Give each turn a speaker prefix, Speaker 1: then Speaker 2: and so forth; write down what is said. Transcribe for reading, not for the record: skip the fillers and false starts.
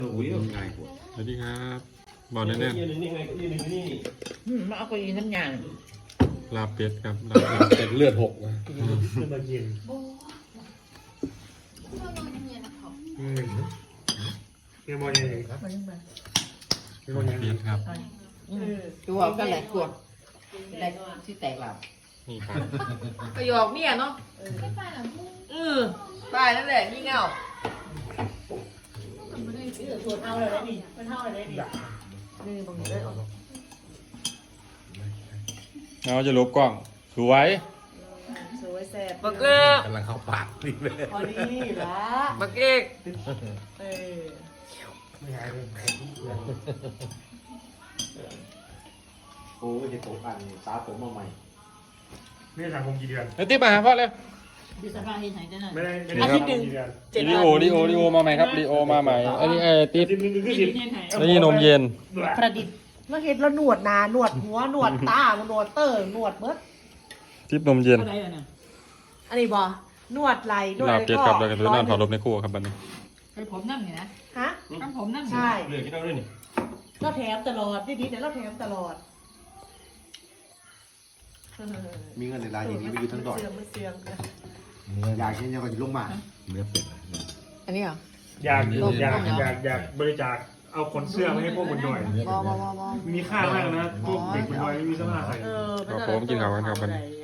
Speaker 1: อุ้ยง่ายกว่า
Speaker 2: สวัสดีครับบอกแน่
Speaker 1: ยืนนี่ไงก็ยืนนี่
Speaker 3: มาเอาไปยินน้ำยาง
Speaker 2: ๆลาบเป็ดครับลาบเป็ด
Speaker 1: แต่เลือดหกนะ
Speaker 4: ขึ้นมากินเกี่ยวมองยังไงครับ
Speaker 3: มาเรื่องมา
Speaker 4: เกี่ยวมองยังไง
Speaker 2: เป็ดครับ
Speaker 3: ตัวก็แหลกขวดแหลกที่แตกหลับ
Speaker 2: นี่ครับ
Speaker 3: ประโยคเนี่ยเนาะตายนั่นแหละยี่เงาส่วนเอาเลยนี่มันเท่าอะไรนี่นี่บางทีได้ออก
Speaker 2: เราจะลบกล้องสวย
Speaker 3: สวยแซ่บ
Speaker 5: บักเอิก
Speaker 1: กำลังเข้าปากนี่เลย
Speaker 3: พอดีละ
Speaker 5: บักเอก
Speaker 4: ไม่หายเลย
Speaker 1: โอ้ยเห็นผมอันตาผมมาใหม่
Speaker 4: นี่สังคมกี่เดือน
Speaker 2: เดี๋ยวติ๊บมาหาพ่อเลย
Speaker 3: ดูสภาพที่ไหนจะน่ะ
Speaker 4: ไม่ได้สังคมกี่เดือน
Speaker 2: ลีโอมาใหม่ครับลีโอมาใหม่อันนี้ติ๊บ
Speaker 4: สิบนึงคือสิบ
Speaker 2: แล้วนี่นมเย็น
Speaker 3: ประดิษฐ์แล้วเห็นแล้วหนวดหนาหนวดหัวหนวดตาหนวดเตอร์หนวดเบิด
Speaker 2: ติ๊บนมเย็น
Speaker 3: อันนี้บ่หนวดไหลหนวด
Speaker 2: ลาบเป็ดครับแล้วก็ถือนั่นถอดลบในครัวครับบัดนี้
Speaker 5: ไอ้ผมนั่งไงนะ
Speaker 3: ฮะ
Speaker 5: ทำผมนั่ง
Speaker 3: ใช่
Speaker 1: เลือดที่เราด้วยนี่
Speaker 3: เราแถมตลอดดีๆแต่เราแถมตลอด
Speaker 1: มีเงินในรายอย่างนี้ไปอยู่ทั้งดอก
Speaker 3: เสื่อมไม่เสื่อม
Speaker 1: อยากเช่นยังก็อยู่ลงมาเนื้อเป็ด
Speaker 5: อันนี้เหรอ
Speaker 4: อยากบริจาคเอาขนเสื้อมาให้พวกคนหน่อย
Speaker 5: บอ
Speaker 4: มีค่ามากนะพวกเด็กคนหน่อยไม่มีเสื้อผ้าใส่
Speaker 2: ครับผมกินข้าวกันครับบัดนี้
Speaker 3: เ